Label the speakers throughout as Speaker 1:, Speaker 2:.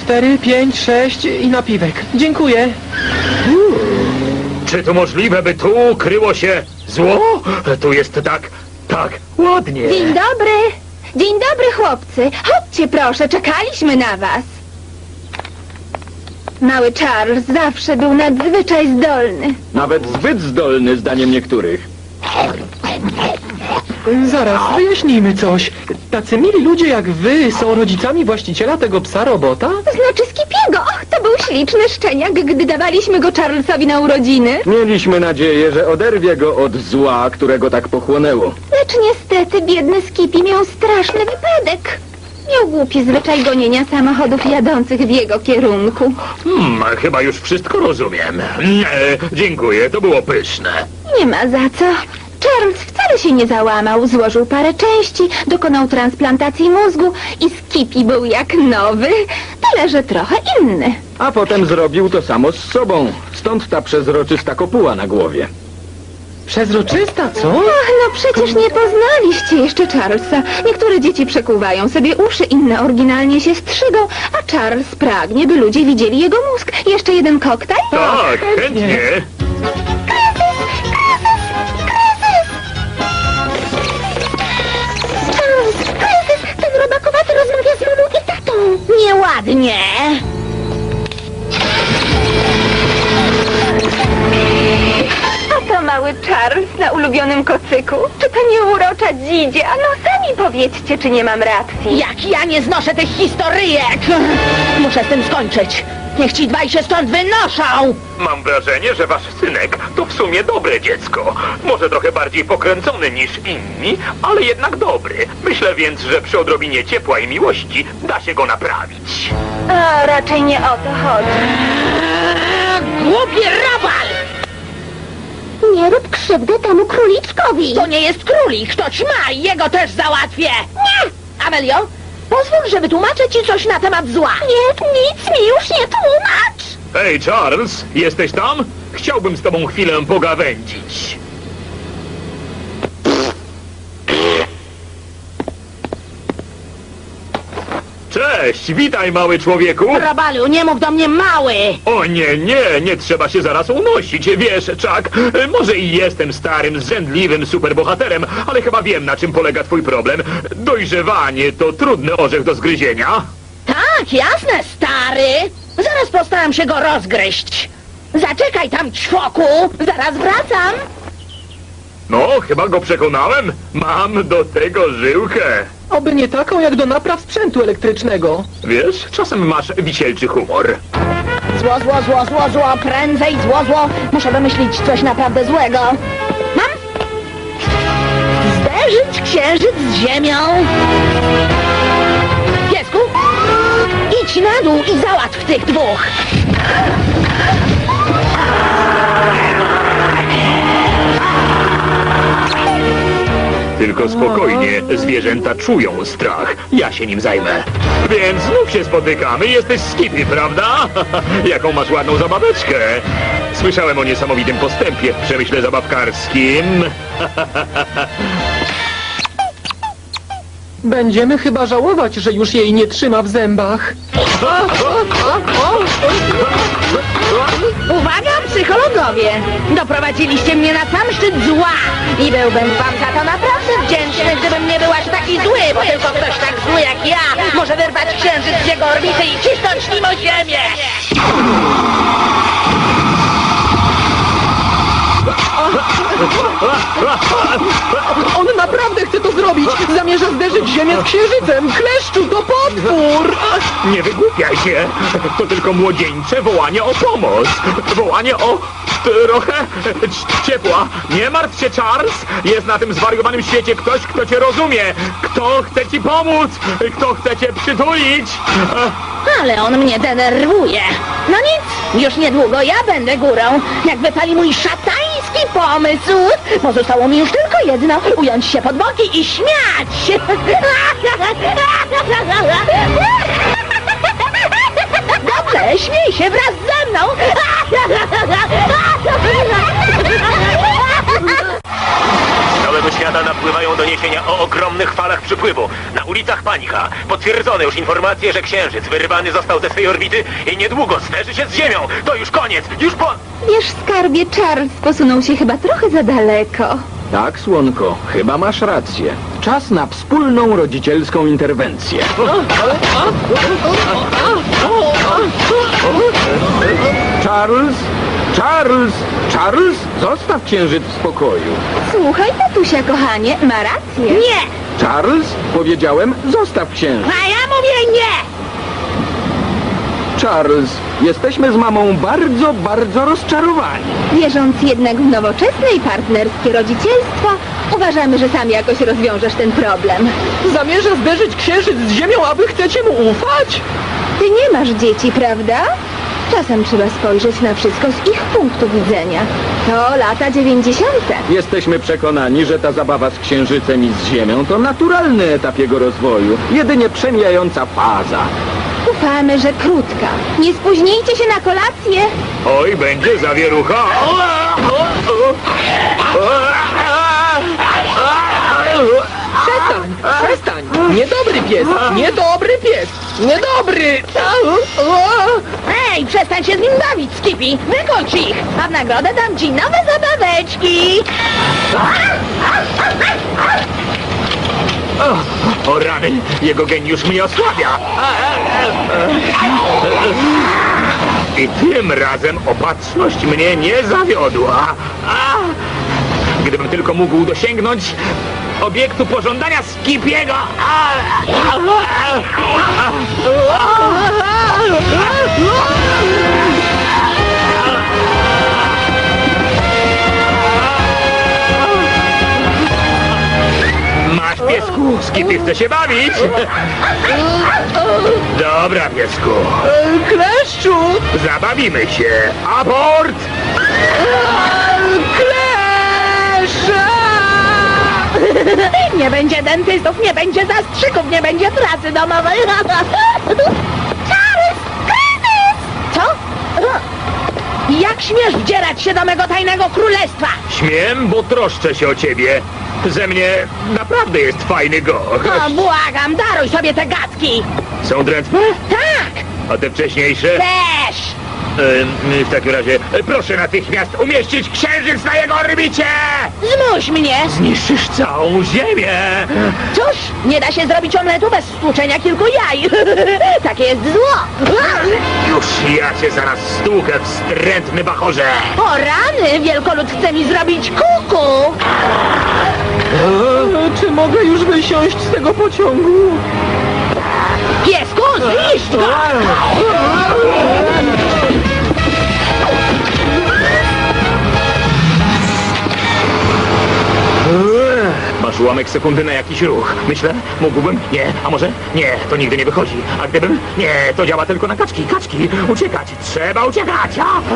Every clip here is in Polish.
Speaker 1: 4, 5, 6 i napiwek. Dziękuję.
Speaker 2: Czy to możliwe, by tu kryło się zło? Tu jest tak ładnie.
Speaker 3: Dzień dobry. Dzień dobry, chłopcy. Chodźcie proszę, czekaliśmy na was. Mały Charles zawsze był nadzwyczaj zdolny.
Speaker 4: Nawet zbyt zdolny, zdaniem niektórych.
Speaker 1: Zaraz, wyjaśnijmy coś. Tacy mili ludzie jak wy są rodzicami właściciela tego psa robota?
Speaker 3: Znaczy Skipiego. Och, to był śliczny szczeniak, gdy dawaliśmy go Charlesowi na urodziny.
Speaker 4: Mieliśmy nadzieję, że oderwie go od zła, którego tak pochłonęło.
Speaker 3: Lecz niestety biedny Skippy miał straszny wypadek. Miał głupi zwyczaj gonienia samochodów jadących w jego kierunku.
Speaker 2: Chyba już wszystko rozumiem. Dziękuję, to było pyszne.
Speaker 3: Nie ma za co. Charles wcale się nie załamał, złożył parę części, dokonał transplantacji mózgu i Skippy był jak nowy, tyle że trochę inny.
Speaker 4: A potem zrobił to samo z sobą. Stąd ta przezroczysta kopuła na głowie.
Speaker 1: Przezroczysta, co?
Speaker 3: Ach, no przecież nie poznaliście jeszcze Charlesa. Niektóre dzieci przekuwają sobie uszy, inne oryginalnie się strzygą, a Charles pragnie, by ludzie widzieli jego mózg. Jeszcze jeden koktajl?
Speaker 2: Tak, chętnie.
Speaker 3: Kryzys! Ten robakowaty rozmawia z mamą i tatą. Nieładnie. A to mały Charles na ulubionym kocyku? Czy to nie urocza dzidzie? A no sami powiedzcie, czy nie mam racji.
Speaker 5: Jak ja nie znoszę tych historyjek! Muszę z tym skończyć. Niech ci dwaj się stąd wynoszą!
Speaker 2: Mam wrażenie, że wasz synek to w sumie dobre dziecko. Może trochę bardziej pokręcony niż inni, ale jednak dobry. Myślę więc, że przy odrobinie ciepła i miłości da się go naprawić.
Speaker 3: A raczej nie o to chodzi.
Speaker 5: Głupi robal!
Speaker 3: Nie rób krzywdy temu króliczkowi.
Speaker 5: To nie jest królik, to ćma i jego też załatwię! Nie! Amelio, pozwól, że wytłumaczę ci coś na temat zła.
Speaker 3: Nie, nic mi już nie tłumacz.
Speaker 2: Hej, Charles, jesteś tam? Chciałbym z tobą chwilę pogawędzić. Cześć, witaj, mały człowieku.
Speaker 5: Robalu, nie mów do mnie mały!
Speaker 2: O nie trzeba się zaraz unosić. Wiesz, Chuck, może i jestem starym, zrzędliwym superbohaterem, ale chyba wiem, na czym polega twój problem. Dojrzewanie to trudny orzech do zgryzienia.
Speaker 5: Tak, jasne, stary! Zaraz postaram się go rozgryźć. Zaczekaj tam, ćwoku! Zaraz wracam!
Speaker 2: No, chyba go przekonałem. Mam do tego żyłkę.
Speaker 1: Oby nie taką jak do napraw sprzętu elektrycznego.
Speaker 2: Wiesz, czasem masz wisielczy humor.
Speaker 5: Zło, prędzej zło! Muszę wymyślić coś naprawdę złego. Mam? Zderzyć księżyc z ziemią. Piesku, idź na dół i załatw tych dwóch.
Speaker 2: Tylko spokojnie, zwierzęta czują strach. Ja się nim zajmę. Więc znów się spotykamy. Jesteś Skippy, prawda? Jaką masz ładną zabaweczkę. Słyszałem o niesamowitym postępie w przemyśle zabawkarskim.
Speaker 1: Będziemy chyba żałować, że już jej nie trzyma w zębach.
Speaker 5: Uwaga, psychologowie! Doprowadziliście mnie na sam szczyt zła i byłbym wam za to naprawdę wdzięczny, gdybym nie był aż taki zły, bo tylko ktoś tak zły jak ja może wyrwać księżyc z jego orbity i cisnąć nim o ziemię!
Speaker 1: On naprawdę chce to zrobić! Zamierza zderzyć ziemię z księżycem! Kleszczu, to potwór!
Speaker 2: Nie wygłupiaj się. To tylko młodzieńcze wołanie o pomoc. Wołanie o trochę ciepła. Nie martw się, Charles. Jest na tym zwariowanym świecie ktoś, kto cię rozumie. Kto chce ci pomóc. Kto chce cię przytulić.
Speaker 5: Ale on mnie denerwuje. No nic, już niedługo ja będę górą, jak wypali mój szatański pomysł. Pozostało mi już tylko jedno, ująć się pod boki i śmiać. Dobrze, śmiej się wraz ze mną.
Speaker 2: Z całego świata napływają doniesienia o ogromnych falach przypływu. Na ulicach
Speaker 6: panika. Potwierdzone już informacje, że Księżyc wyrwany został ze swej orbity i niedługo zderzy się z Ziemią. To już koniec, już po...
Speaker 3: Wiesz, skarbie, Charles posunął się chyba trochę za daleko.
Speaker 4: Tak, słonko, chyba masz rację. Czas na wspólną rodzicielską interwencję. Charles! Charles! Charles! Zostaw Księżyc w spokoju.
Speaker 3: Słuchaj, tatusia, kochanie, ma rację.
Speaker 5: Nie!
Speaker 4: Charles, powiedziałem, zostaw Księżyc.
Speaker 5: A ja mówię nie!
Speaker 4: Charles, jesteśmy z mamą bardzo, bardzo rozczarowani.
Speaker 3: Wierząc jednak w nowoczesne i partnerskie rodzicielstwo, uważamy, że sam jakoś rozwiążesz ten problem.
Speaker 1: Zamierza zderzyć księżyc z ziemią, a wy chcecie mu ufać?
Speaker 3: Ty nie masz dzieci, prawda? Czasem trzeba spojrzeć na wszystko z ich punktu widzenia. To lata 90.
Speaker 4: Jesteśmy przekonani, że ta zabawa z Księżycem i z Ziemią to naturalny etap jego rozwoju. Jedynie przemijająca faza.
Speaker 3: Ufamy, że krótka. Nie spóźnijcie się na kolację.
Speaker 2: Oj, będzie zawierucha.
Speaker 1: Przestań! Niedobry pies! Niedobry pies! Niedobry!
Speaker 5: Ej, przestań się z nim bawić, Skippy! Wykończ ich! A w nagrodę dam ci nowe zabaweczki!
Speaker 2: O rany, jego geniusz mnie osłabia. I tym razem opatrzność mnie nie zawiodła. Gdybym tylko mógł dosięgnąć obiektu pożądania Skippiego. Masz, piesku, Skippy chce się bawić. Dobra, piesku,
Speaker 1: Kleszczu!
Speaker 2: zabawimy się. Abort!
Speaker 1: Kleszcze!
Speaker 5: Nie będzie dentystów, nie będzie zastrzyków, nie będzie pracy domowej! Charles! Kryzys! Co? Jak śmiesz wdzierać się do mego tajnego królestwa?
Speaker 2: Śmiem, bo troszczę się o ciebie. Ze mnie naprawdę jest fajny gość.
Speaker 5: O, błagam, daruj sobie te gadki!
Speaker 2: Są drętwe?
Speaker 5: Tak!
Speaker 2: A te wcześniejsze?
Speaker 5: Też!
Speaker 2: W takim razie proszę natychmiast umieścić księżyc na jego orbicie!
Speaker 5: Zmuś mnie!
Speaker 2: Zniszczysz całą ziemię!
Speaker 5: Cóż, nie da się zrobić omletu bez stłuczenia kilku jaj. Takie jest zło.
Speaker 2: Już ja cię zaraz stłukę, wstrętny bachorze!
Speaker 5: O rany, wielkolud chce mi zrobić kuku.
Speaker 1: Czy mogę już wysiąść z tego pociągu?
Speaker 5: Piesku, zniszcz go!
Speaker 2: Masz ułamek sekundy na jakiś ruch. Myślę, mógłbym? Nie. A może? Nie, to nigdy nie wychodzi. A gdybym? Nie, to działa tylko na kaczki. Kaczki! Uciekać! Trzeba uciekać!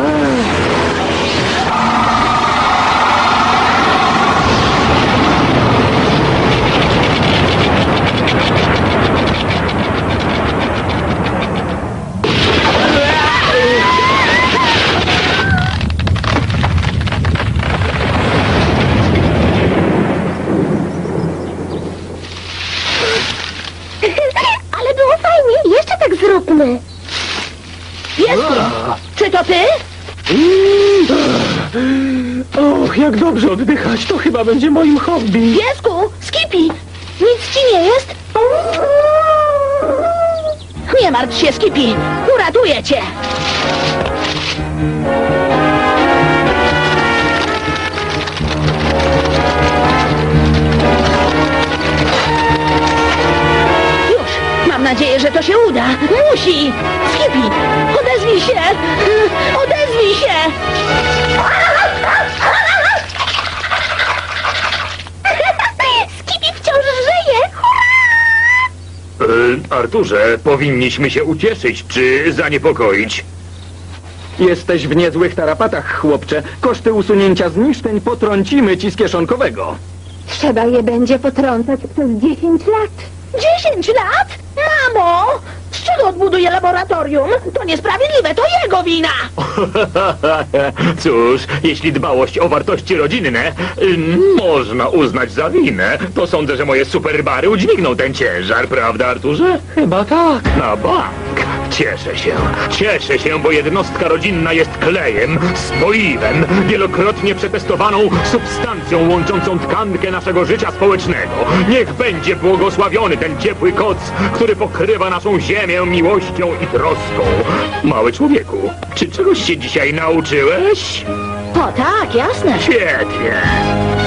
Speaker 3: Ale było fajnie, jeszcze tak zróbmy.
Speaker 5: Piesku, czy to ty?
Speaker 1: Och, jak dobrze oddychać, to chyba będzie moim hobby.
Speaker 5: Piesku, Skippy, nic ci nie jest? Nie martw się, Skippy, uratuję cię. Już, mam nadzieję, że to się uda. Musi! Skippy, odezwij się! Odezwij się!
Speaker 3: Skippy wciąż żyje!
Speaker 2: Arturze, powinniśmy się ucieszyć czy zaniepokoić.
Speaker 4: Jesteś w niezłych tarapatach, chłopcze. Koszty usunięcia zniszczeń potrącimy ci z kieszonkowego.
Speaker 3: Trzeba je będzie potrącać przez 10 lat.
Speaker 5: 10 lat? Mamo! Z czego dlaczego odbuduje laboratorium? To niesprawiedliwe, to jego wina!
Speaker 2: Cóż, jeśli dbałość o wartości rodzinne można uznać za winę, to sądzę, że moje superbary udźwigną ten ciężar, prawda, Arturze?
Speaker 1: Chyba tak.
Speaker 2: Na bank. Cieszę się, bo jednostka rodzinna jest klejem, spoiwem, wielokrotnie przetestowaną substancją łączącą tkankę naszego życia społecznego. Niech będzie błogosławiony ten ciepły koc, który pokrywa naszą ziemię miłością i troską. Mały człowieku, czy czegoś się dzisiaj nauczyłeś?
Speaker 5: O tak, jasne.
Speaker 2: Świetnie.